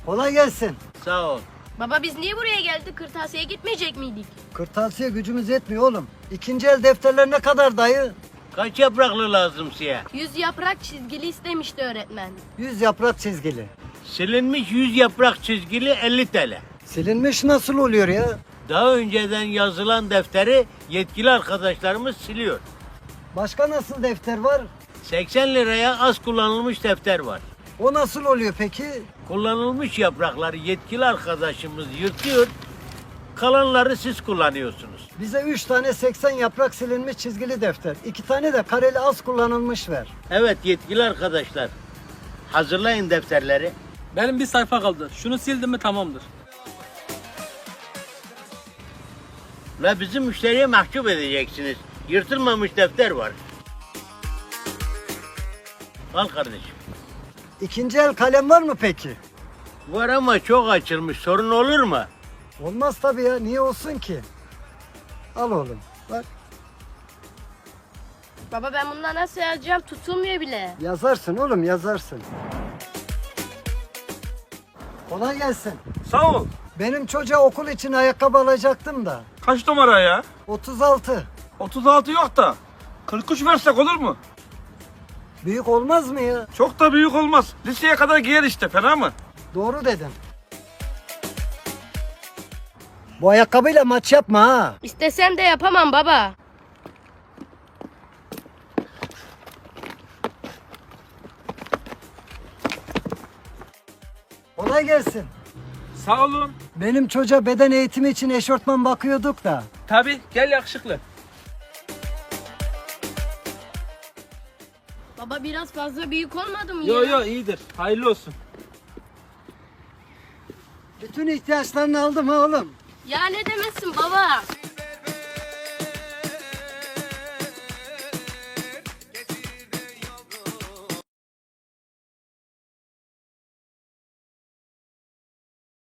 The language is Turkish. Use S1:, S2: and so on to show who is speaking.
S1: Kolay gelsin.
S2: Sağ ol.
S3: Baba biz niye buraya geldik? Kırtasiye gitmeyecek miydik?
S1: Kırtasiye gücümüz yetmiyor oğlum. İkinci el defterler ne kadar dayı?
S2: Kaç yapraklı lazım size?
S3: 100 yaprak çizgili istemişti öğretmen.
S1: 100 yaprak çizgili.
S2: Silinmiş 100 yaprak çizgili 50 TL.
S1: Silinmiş nasıl oluyor ya?
S2: Daha önceden yazılan defteri yetkili arkadaşlarımız siliyor.
S1: Başka nasıl defter var?
S2: 80 liraya az kullanılmış defter var.
S1: O nasıl oluyor peki?
S2: Kullanılmış yaprakları yetkili arkadaşımız yırtıyor. Kalanları siz kullanıyorsunuz.
S1: Bize 3 tane 80 yaprak silinmiş çizgili defter. 2 tane de kareli az kullanılmış ver.
S2: Evet yetkili arkadaşlar. Hazırlayın defterleri.
S4: Benim bir sayfa kaldı. Şunu sildim mi tamamdır.
S2: Ve bizim müşteriye mahcup edeceksiniz. Yırtılmamış defter var. Al kardeşim.
S1: İkinci el kalem var mı peki?
S2: Var ama çok açılmış. Sorun olur mu?
S1: Olmaz tabii ya. Niye olsun ki? Al oğlum. Bak
S3: Baba ben bundan nasıl yazacağım? Tutulmuyor bile.
S1: yazarsın oğlum yazarsın. Kolay gelsin.
S5: Sağ ol.
S1: Benim çocuğa okul için ayakkabı alacaktım da.
S5: Kaç numara ya?
S1: 36.
S5: 36 yok da. 43 versek olur mu?
S1: Büyük olmaz mı ya?
S5: Çok da büyük olmaz. Liseye kadar giyer işte, fena mı?
S1: Doğru dedim. Bu ayakkabıyla maç yapma ha.
S3: İstesem de yapamam baba.
S1: Kolay gelsin.
S5: Sağ olun.
S1: Benim çocuğa beden eğitimi için eşortman bakıyorduk da.
S5: Tabii, gel yakışıklı.
S3: Baba biraz fazla büyük olmadı mı
S5: Yo
S3: ya?
S5: yo iyidir. Hayırlı olsun.
S1: Bütün ihtiyaçlarını aldım ha oğlum.
S3: Ya ne demesin baba?